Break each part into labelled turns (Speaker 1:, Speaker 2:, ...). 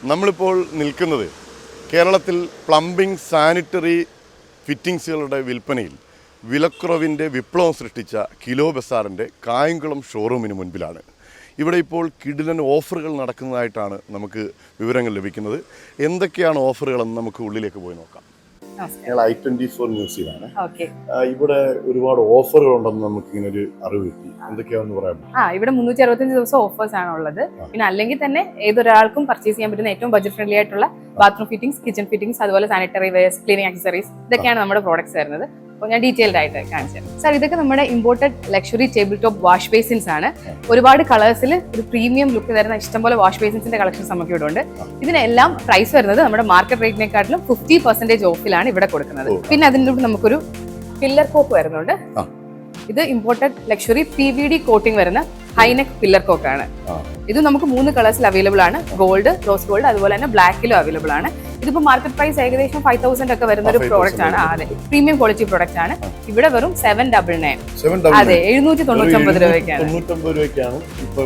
Speaker 1: നമ്മളിപ്പോൾ നിൽക്കുന്നത് കേരളത്തിൽ പ്ലംബിംഗ് സാനിറ്ററി ഫിറ്റിംഗ്സുകളുടെ വിൽപ്പനയിൽ വിലക്കുറവിൻ്റെ വിപ്ലവം സൃഷ്ടിച്ച കിലോ ബസാറിൻ്റെ കായംകുളം ഷോറൂമിന് മുൻപിലാണ്. ഇവിടെ ഇപ്പോൾ കിടിലൻ ഓഫറുകൾ നടക്കുന്നതായിട്ടാണ് നമുക്ക് വിവരങ്ങൾ ലഭിക്കുന്നത്. എന്തൊക്കെയാണ് ഓഫറുകളെന്ന് നമുക്ക് ഉള്ളിലേക്ക് പോയി നോക്കാം. ഞങ്ങൾ i24 ന്യൂസിലാണ്. ഇവിടെ ഒരുപാട് ഓഫറുകൾ ഉണ്ടെന്ന് നമുക്ക് ഇങ്ങനെ ഒരു അറിവ് കിട്ടി. എന്തൊക്കെയാണെന്ന് പറയാം.
Speaker 2: ഇവിടെ 365 ദിവസം ഓഫേഴ്സ് ആണ് ഉള്ളത്. പിന്നെ അല്ലെങ്കിൽ തന്നെ ഏതൊരാൾക്കും പർച്ചേസ് ചെയ്യാൻ പറ്റുന്ന ഏറ്റവും ബഡ്ജറ്റ് ഫ്രണ്ട്ലി ആയിട്ടുള്ള ബാത്റൂം ഫിറ്റിംഗ്സ്, കിച്ചൺ ഫിറ്റിംഗ്സ്, അതുപോലെ സാനിറ്ററി വെയർസ്, ക്ലീനിങ് ആക്സസറീസ്, ഇതൊക്കെയാണ് നമ്മുടെ പ്രോഡക്ട്സ് വരുന്നത്. അപ്പോൾ ഞാൻ ഡീറ്റെയിൽഡ് ആയിട്ട് കാണിച്ചു തരാം. സാർ, ഇതൊക്കെ നമ്മുടെ imported luxury table top wash basins ആണ്. ഒരുപാട് കളേഴ്സിൽ ഒരു പ്രീമിയം ലുക്ക് തരുന്ന ഇഷ്ടംപോലെ വാഷ് ബേസിൻസിന്റെ കളക്ഷൻസ് നമുക്ക് ഇവിടെ ഉണ്ട്. ഇതിനെല്ലാം പ്രൈസ് വരുന്നത് നമ്മുടെ മാർക്കറ്റ് റേറ്റിനെക്കാട്ടിലും 50% ഓഫിലാണ് ഇവിടെ കൊടുക്കുന്നത്. പിന്നെ അതിൻ്റെ കൂടെ നമുക്കൊരു പില്ലർ കോക്ക് വരുന്നുണ്ട്. ഇത് ഇമ്പോർട്ടഡ് ലക്ഷറി PVD കോട്ടിംഗ് വരുന്ന ഹൈനെക്ക് പില്ലർ കോക്ക് ആണ്. ഇത് നമുക്ക് 3 കളേഴ്സിൽ അവൈലബിൾ ആണ്. ഗോൾഡ്, റോസ് ഗോൾഡ്, അതുപോലെ തന്നെ ബ്ലാക്കിലും അവൈലബിൾ ആണ്. ഇതിപ്പോ മാർക്കറ്റ് പ്രൈസ് ഏകദേശം 5000 ഒക്കെ വരുന്ന ഒരു പ്രോഡക്റ്റ് ആണ്. അതെ, പ്രീമിയം ക്വാളിറ്റി പ്രോഡക്റ്റ് ആണ്. ഇവിടെ വെറും 799. അതെ, 799 രൂപയ്ക്കാണ്.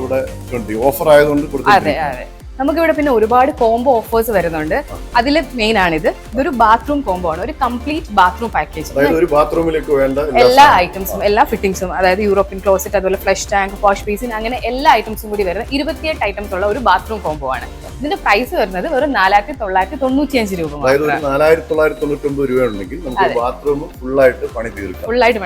Speaker 2: അതെ അതെ. നമുക്കിവിടെ പിന്നെ ഒരുപാട് കോംബോ ഓഫേഴ്സ് വരുന്നുണ്ട്. അതിൽ മെയിൻ ആണിത്. ഇതൊരു ബാത്റൂം കോംബോ ആണ്, ഒരു കംപ്ലീറ്റ് ബാത്റൂം പാക്കേജ്. എല്ലാ ഐറ്റംസും, എല്ലാ ഫിറ്റിംഗ്സും, അതായത് യൂറോപ്യൻ ക്ലോസറ്റ്, അതുപോലെ ഫ്ലഷ് ടാങ്ക്, വാഷ് ബേസിൻ, അങ്ങനെ എല്ലാ ഐറ്റംസും കൂടി വരുന്ന 28 ഐറ്റംസ് ഉള്ള ഒരു ബാത്റൂം കോംബോ ആണ്. ഇതിന്റെ പ്രൈസ് വരുന്നത് വെറും 4995 രൂപ.
Speaker 1: 4999 രൂപ ഉണ്ടെങ്കിൽ നമുക്ക് ബാത്റൂം ഫുള്ളായിട്ട് പണി തീർക്കാം.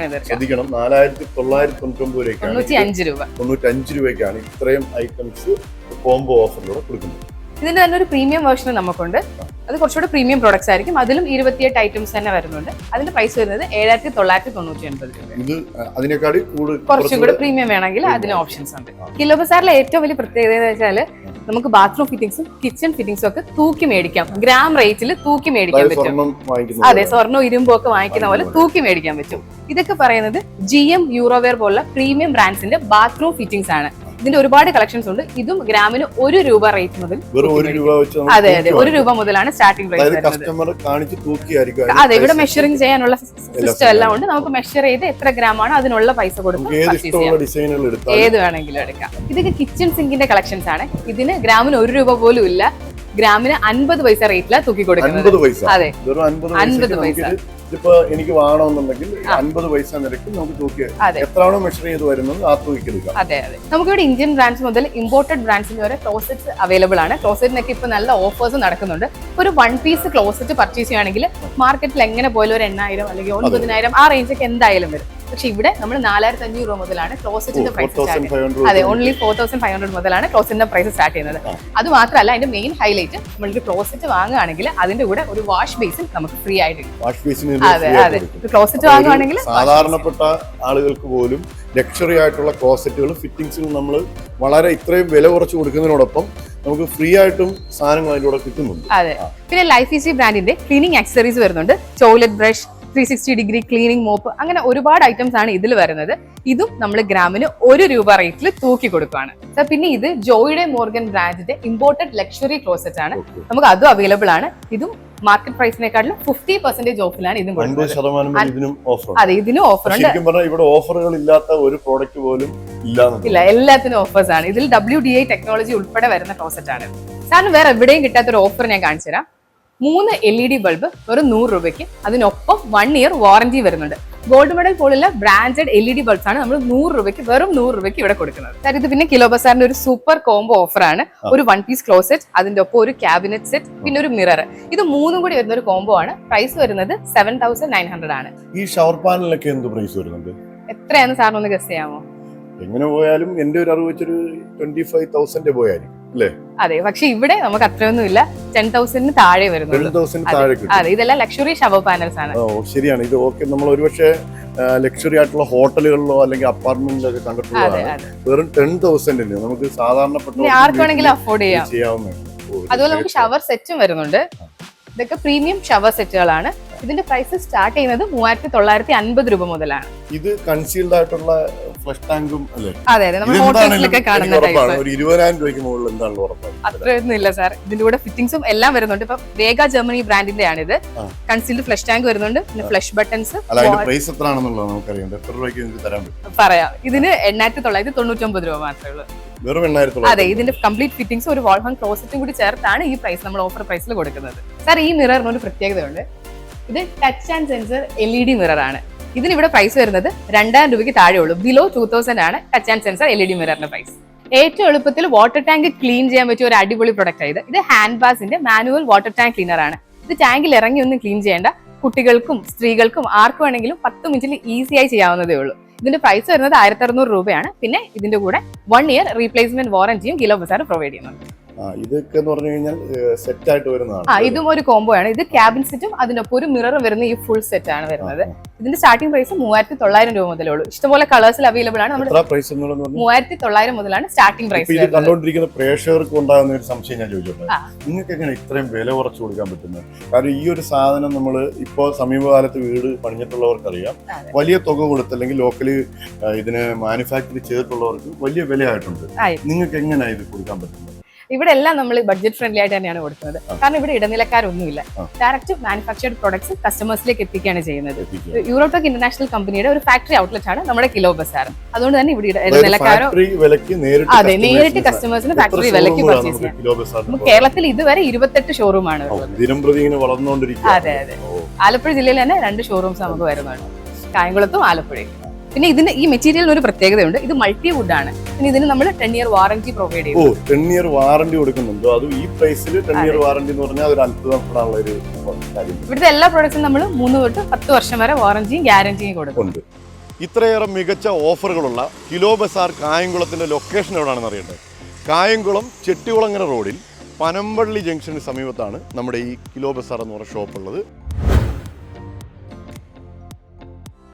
Speaker 1: 4995 രൂപയ്ക്കാണ് ഇത്രയും ഐറ്റംസ് കോംബോ ഓഫറിലൂടെ കൊടുക്കുന്നത്.
Speaker 2: ഇതിന്റെ തന്നെ ഒരു പ്രീമിയം വേർഷൻ നമുക്കുണ്ട്. അത് കുറച്ചുകൂടെ പ്രീമിയം പ്രോഡക്ട്സ് ആയിരിക്കും. അതിലും 28 ഐറ്റംസ് തന്നെ വരുന്നുണ്ട്. അതിന്റെ പ്രൈസ് വരുന്നത് 7999 രൂപ. കുറച്ചും കൂടെ പ്രീമിയം വേണമെങ്കിൽ അതിന് ഓപ്ഷൻസ് ഉണ്ട്. കിലോ ബസാറിലെ ഏറ്റവും വലിയ പ്രത്യേകത എന്ന് വെച്ചാൽ നമുക്ക് ബാത്റൂം ഫിറ്റിംഗ്സും കിച്ചൺ ഫിറ്റിംഗ്സും ഒക്കെ തൂക്കി മേടിക്കാം. ഗ്രാം റേറ്റിൽ തൂക്കി മേടിക്കാൻ പറ്റും. അതെ, സ്വർണ്ണവും ഇരുമ്പും ഒക്കെ വാങ്ങിക്കുന്ന പോലെ തൂക്കി മേടിക്കാൻ പറ്റും. ഇതൊക്കെ പറയുന്നത് GM യൂറോവെയർ പോലുള്ള പ്രീമിയം ബ്രാൻഡ്സിന്റെ ബാത്റൂം ഫിറ്റിംഗ്സ് ആണ്. ഇതിന്റെ ഒരുപാട് കളക്ഷൻസ് ഉണ്ട്. ഇതും ഗ്രാമിന് 1 രൂപ റേറ്റ് മുതൽ. അതെ അതെ, 1 രൂപ മുതലാണ് സ്റ്റാർട്ടിംഗ് പ്രൈസ് വരുന്നത്. അതെ, ഇവിടെ മെഷറിംഗ് ചെയ്യാനുള്ള സിസ്റ്റം എല്ലാം ഉണ്ട്. നമുക്ക് മെഷർ ചെയ്ത് എത്ര ഗ്രാം ആണ് അതിനുള്ള പൈസ കൊടുക്കും. ഏത് വേണമെങ്കിലും എടുക്കാം. ഇതൊക്കെ കിച്ചൺ സിങ്കിന്റെ കളക്ഷൻസ് ആണ്. ഇതിന് ഗ്രാമിന് 1 രൂപ പോലും ഇല്ല. ഗ്രാമിന് 50 പൈസ റേറ്റിലാണ് തൂക്കി കൊടുക്കുന്നത്. അതെ, 50 പൈസ.
Speaker 1: ഇപ്പൊ എനിക്ക് വേണമെന്നുണ്ടെങ്കിൽ 50 പൈസ നിരക്ക് നമുക്ക് തൂക്കി എത്രയാണോ മെഷർ ചെയ്ത് വരുന്നത് ആ തൂക്കി എടുക്കാം.
Speaker 2: അതെ അതെ. നമുക്കിവിടെ ഇന്ത്യൻ ബ്രാൻഡ്സ് മുതൽ ഇമ്പോർട്ടഡ് ബ്രാൻഡ്സിന് വരെ ക്ലോസറ്റ്സ് അവൈലബിൾ ആണ്. ക്ലോസറ്റിനൊക്കെ ഇപ്പൊ നല്ല ഓഫേഴ്സ് നടക്കുന്നുണ്ട്. ഒരു 1 പീസ് ക്ലോസറ്റ് പർച്ചേസ് ചെയ്യുകയാണെങ്കിൽ മാർക്കറ്റിൽ എങ്ങനെ പോലും ഒരു 8000 അല്ലെങ്കിൽ 9000 ആ റേഞ്ചൊക്കെ എന്തായാലും വരും. പക്ഷെ ഇവിടെ നമ്മൾ 4500 രൂപ മുതലാണ് ക്ലോസറ്റിന്റെ പ്രൈസ് സ്റ്റാർട്ട് ചെയ്യുന്നത്. അതെ, ഓൺലി 4500 മുതലാണ് ക്ലോസറ്റിന്റെ പ്രൈസ് സ്റ്റാർട്ട് ചെയ്യുന്നത്. അത് മാത്രമല്ല, അതിന്റെ മെയിൻ ഹൈലൈറ്റ്, നമ്മളൊരു ക്ലോസറ്റ് വാങ്ങുകയാണെങ്കിൽ അതിന്റെ കൂടെ ഒരു വാഷ് ബേസിൻ നമുക്ക് ഫ്രീ ആയിട്ട് കിട്ടും. അതെ അതെ, ക്ലോസറ്റ് വാങ്ങുകയാണെങ്കിൽ
Speaker 1: സാധാരണപ്പെട്ട ആളുകൾക്ക് പോലും ലക്ഷറി ആയിട്ടുള്ള ക്ലോസറ്റുകളും ഫിറ്റിംഗ്സുകളും നമ്മൾ വളരെ ഇത്രയും വില കുറച്ച് കൊടുക്കുന്നതിനോടൊപ്പം നമുക്ക് ഫ്രീ ആയിട്ടും സാധനങ്ങൾ അതിലൂടെ കിട്ടുന്നുണ്ട്.
Speaker 2: അതെ. പിന്നെ ലൈഫ് ഈസി ബ്രാൻഡിന്റെ ക്ലീനിങ് ആക്സസറീസ് വരുന്നുണ്ട്. Toilet brush, 360 degree cleaning mop, അങ്ങനെ ഒരുപാട് ഐറ്റംസ് ആണ് ഇതിൽ വരുന്നത്. ഇതും നമ്മൾ ഗ്രാമിന് 1 രൂപ റേറ്റിൽ തൂക്കി കൊടുക്കുകയാണ്. പിന്നെ ഇത് ജോയിഡെ മോർഗൻ ബ്രാൻഡിന്റെ ഇമ്പോർട്ടഡ് ലക്ഷറി ക്ലോസറ്റ് ആണ്. നമുക്ക് അതും അവൈലബിൾ ആണ്. ഇതും മാർക്കറ്റ് പ്രൈസിനെക്കാട്ടിലും 50% ഓഫിലാണ് ഇതും കൊടുക്കുന്നത്. അതെ, ഇതിനും ഓഫർ ഉണ്ട്.
Speaker 1: ഇവിടെ ഓഫറുകൾ ഇല്ലാത്ത ഒരു പ്രോഡക്റ്റ് പോലും
Speaker 2: ഇല്ല, എല്ലാത്തിനും ഓഫേഴ്സ് ആണ്. ഇതിൽ WDI ടെക്നോളജി ഉൾപ്പെടെ വരുന്ന ക്ലോസറ്റ് ആണ്. സാറിന് വേറെ എവിടെയും കിട്ടാത്ത ഒരു ഓഫർ ഞാൻ കാണിച്ചു തരാം. 3 LED ബൾബ് വെറും 100 രൂപയ്ക്ക്. അതിനൊപ്പം 1 ഇയർ വാറന്റി വരുന്നുണ്ട്. ഗോൾഡ് മെഡൽ പോലുള്ള ബ്രാൻഡഡ് LED ബൾബ്സ് ആണ് നമ്മൾ 100 രൂപയ്ക്ക്, വെറും 100 രൂപയ്ക്ക് ഇവിടെ കൊടുക്കുന്നത്. സാർ, ഇത് പിന്നെ കിലോ ബസാറിന്റെ ഒരു സൂപ്പർ കോംബോ ഓഫർ ആണ്. ഒരു 1 പീസ് ക്ലോസറ്റ്, അതിന്റെ ഒപ്പം ഒരു ക്യാബിനറ്റ് സെറ്റ്, പിന്നെ ഒരു മിറർ. ഇത് 3 കൂടി വരുന്ന ഒരു കോംബോ ആണ്. പ്രൈസ് വരുന്നത് 7900 ആണ്.
Speaker 1: ഈ ഷവർ പാനലൊക്കെ എന്ത് പ്രൈസ് വരുന്നുണ്ട്?
Speaker 2: എത്രയാണെന്ന് സാറിന് ഒന്ന് ഗസ് ചെയ്യാമോ?
Speaker 1: എങ്ങനെ പോയാലും എന്റെ ഒരു അറിവ് വെച്ചൊരു 25,000 പോയാലും അല്ലേ?
Speaker 2: അതെ, പക്ഷെ ഇവിടെ നമുക്ക് അത്രയൊന്നും ഇല്ല. 10,000 താഴെ വരുന്നുള്ളൂ. അതെ, ഇതെല്ലാം ലക്ഷറി ഷവർ പാനൽസ് ആണ്.
Speaker 1: ശരിയാണ്. ഇത് ഓക്കെ, നമ്മൾ ഒരുപക്ഷെ ലക്ഷറി ആയിട്ടുള്ള ഹോട്ടലുകളിലോ അല്ലെങ്കിൽ അപ്പാർട്ട്മെന്റിലൊക്കെ കണ്ടിട്ടുള്ളതാണ്. വെറും 10,000 നമുക്ക് സാധാരണപ്പെട്ട
Speaker 2: ആർക്ക് വേണമെങ്കിലും അഫോർഡ് ചെയ്യാവുന്നതാണ്. അതുപോലെ നമുക്ക് ഷവർ സെറ്റും വരുന്നുണ്ട്. ഇതൊക്കെ പ്രീമിയം ഷവർ സെറ്റുകളാണ്. ഇതിന്റെ പ്രൈസ് സ്റ്റാർട്ട് ചെയ്യുന്നത് 3950 രൂപ മുതലാണ്.
Speaker 1: ഇത് കൺസീൽഡ് ആയിട്ടുള്ള ഫ്ലഷ് ടാങ്കും അല്ലേ?
Speaker 2: അതെ അതെ, നമ്മൾ ഹോട്ടൽസിലൊക്കെ കാണുന്ന ടൈപ്പ്.
Speaker 1: ഒരു 20,000 രൂപയ്ക്ക് മുകളിൽ എന്താണല്ലോ ഉറപ്പാണ്?
Speaker 2: അത്രയൊന്നും ഇല്ല സാർ. ഇതിന്റെ കൂടെ ഫിറ്റിംഗ്സും എല്ലാം വരുന്നുണ്ട്. ഇപ്പൊ വേഗ ജർമ്മനി ബ്രാൻഡിന്റെ ആണ് ഇത്. കൺസീൽഡ് ഫ്ലഷ് ടാങ്ക് വരുന്നുണ്ട്, പിന്നെ ഫ്ലഷ് ബട്ടൺസ്.
Speaker 1: പ്രൈസ് എത്രയാണെന്നുള്ളത് നമുക്കറിയാം. എത്ര രൂപയ്ക്ക് നിങ്ങൾക്ക് തരാൻ പറ്റും?
Speaker 2: പറയാം. ഇതിന് 8999 രൂപ മാത്രമേ ഉള്ളൂ.
Speaker 1: വെറും 8,900.
Speaker 2: അതെ, ഇതിന്റെ കംപ്ലീറ്റ് ഫിറ്റിംഗ്സ് ഒരു വാൾ ഹാങ് ക്ലോസറ്റും കൂടി ചേർത്താണ് ഈ പ്രൈസ് നമ്മൾ ഓഫർ പ്രൈസിൽ കൊടുക്കുന്നത്. സാർ, ഈ മിററിന് ഒരു പ്രത്യേകതയുണ്ട്. ഇത് touch and sensor LED mirror ആണ്. ഇതിന് ഇവിടെ പ്രൈസ് വരുന്നത് 2000 രൂപയ്ക്ക് താഴെ ഉള്ളൂ. ബിലോ 2000 ആണ് ടച്ച് ആൻഡ് സെൻസർ LED മിററിന്റെ പ്രൈസ്. ഏറ്റവും എളുപ്പത്തിൽ വാട്ടർ ടാങ്ക് ക്ലീൻ ചെയ്യാൻ പറ്റിയ ഒരു അടിപൊളി പ്രൊഡക്റ്റ് ആയത്. ഇത് ഹാൻഡ് ബാസിന്റെ മാനുവൽ വാട്ടർ ടാങ്ക് ക്ലീനർ ആണ്. ഇത് ടാങ്കിൽ ഇറങ്ങി ഒന്നും ക്ലീൻ ചെയ്യേണ്ട. കുട്ടികൾക്കും സ്ത്രീകൾക്കും ആർക്കും വേണമെങ്കിലും 10 മിനിറ്റിൽ ഈസിയായി ചെയ്യാവുന്നതേ ഉള്ളൂ. ഇതിന്റെ പ്രൈസ് വരുന്നത് 1600 രൂപയാണ്. പിന്നെ ഇതിന്റെ കൂടെ 1 ഇയർ റീപ്ലേസ്മെന്റ് വാറന്റിയും കിലോ ബസാർ പ്രൊവൈഡ് ചെയ്യുന്നുണ്ട്.
Speaker 1: ഇതൊക്കെ എന്ന് പറഞ്ഞു കഴിഞ്ഞാൽ സെറ്റ് ആയിട്ട് വരുന്നതാണ്.
Speaker 2: ഇതും ഒരു കോംബോ ആണ്. ഇത് ക്യാബിൻ സെറ്റും അതിനൊപ്പം ഒരു മിററും വരുന്ന ഈ ഫുൾ സെറ്റ് ആണ് വരുന്നത്. ഇതിന്റെ സ്റ്റാർട്ടിംഗ് പ്രൈസ് 3900 രൂപ മുതലേ ഉള്ളൂ. ഇഷ്ടംപോലെ കളേഴ്സിൽ അവൈലബിൾ ആണ്. നമ്മുടെ 3900 മുതലാണ് സ്റ്റാർട്ടിംഗ് പ്രൈസ്.
Speaker 1: ഇത് കണ്ടുകൊണ്ടിരിക്കുന്ന പ്രേക്ഷകർക്ക് ഉണ്ടാകുന്ന ഒരു സംശയം ഞാൻ ചോദിച്ചോട്ടെ, നിങ്ങൾക്ക് എങ്ങനെ ഇത്രയും വില കുറച്ച് കൊടുക്കാൻ പറ്റുന്നത്? കാരണം ഈ ഒരു സാധനം നമ്മൾ ഇപ്പോൾ സമീപകാലത്ത് വീട് പണിഞ്ഞിട്ടുള്ളവർക്കറിയാം, വലിയ തുക കൊടുത്ത് അല്ലെങ്കിൽ ലോക്കലി ഇതിന് മാനുഫാക്ചർ ചെയ്തിട്ടുള്ളവർക്ക് വലിയ വിലയായിട്ടുണ്ട്. നിങ്ങൾക്ക് എങ്ങനെയാണ് ഇത് കൊടുക്കാൻ പറ്റുന്നത്?
Speaker 2: ഇവിടെ എല്ലാം നമ്മൾ ബഡ്ജറ്റ് ഫ്രണ്ട്ലി ആയിട്ട് തന്നെയാണ് കൊടുക്കുന്നത്. കാരണം ഇവിടെ ഇടനിലക്കാരൊന്നുമില്ല. ഡയറക്റ്റ് മാനുഫാക്ചർഡ് പ്രൊഡക്ട്സ് കസ്റ്റമേഴ്സിലേക്ക് എത്തിക്കുകയാണ് ചെയ്യുന്നത്. യൂറോടെക് ഇന്റർനാഷണൽ കമ്പനിയുടെ ഒരു ഫാക്ടറി ഔട്ട്ലെറ്റ് ആണ് നമ്മുടെ കിലോ ബസാർ. അതുകൊണ്ട് തന്നെ ഇവിടെ ഇടനിലക്കാരോ അതെ നേരിട്ട് കസ്റ്റമേഴ്സിന് ഫാക്ടറി വിലയ്ക്ക് പർച്ചേസ് ചെയ്യാം. കേരളത്തിൽ ഇതുവരെ 28 ഷോറൂമാണ് ഉള്ളത്. അതെ അതെ, ആലപ്പുഴ ജില്ലയിൽ തന്നെ 2 ഷോറൂംസ് നമുക്ക് വരുന്നുണ്ട്, കായംകുളത്തും ആലപ്പുഴയും. പിന്നെ ഇതിന് ഈ മെറ്റീരിയലിന് ഒരു പ്രത്യേകതയുണ്ട്. ഇത് മൾട്ടി വുഡ് ആണ്. പിന്നെ ഇതിന് നമ്മൾ 10 ഇയർ വാറന്റി പ്രൊവൈഡ് ചെയ്യും.
Speaker 1: 10 ഇയർ വാറന്റി കൊടുക്കുന്നുണ്ടോ? അത് ഈ പ്രൈസിൽ 10 ഇയർ വാറന്റി എന്ന് പറഞ്ഞാൽ ഒരു അത്ഭുതപ്പെടാനുള്ള ഒരു കാര്യം.
Speaker 2: ഇവിടുത്തെ എല്ലാ പ്രോഡക്ട്സും നമ്മൾ 3 തൊട്ട് 10 വർഷം വരെ വാറന്റിയും ഗ്യാരണ്ടിയും കൊടുക്കുന്നുണ്ട്.
Speaker 1: ഇത്രയേറെ മികച്ച ഓഫറുകളുള്ള കിലോ ബസാർ കായംകുളത്തിന്റെ ലൊക്കേഷൻ എവിടെയാണെന്ന് അറിയട്ടെ. കായംകുളം ചെട്ടികുളങ്ങര റോഡിൽ പനമ്പള്ളി ജംഗ്ഷന് സമീപത്താണ് നമ്മുടെ ഈ കിലോ ബസാർ എന്ന് പറഞ്ഞ ഷോപ്പ് ഉള്ളത്.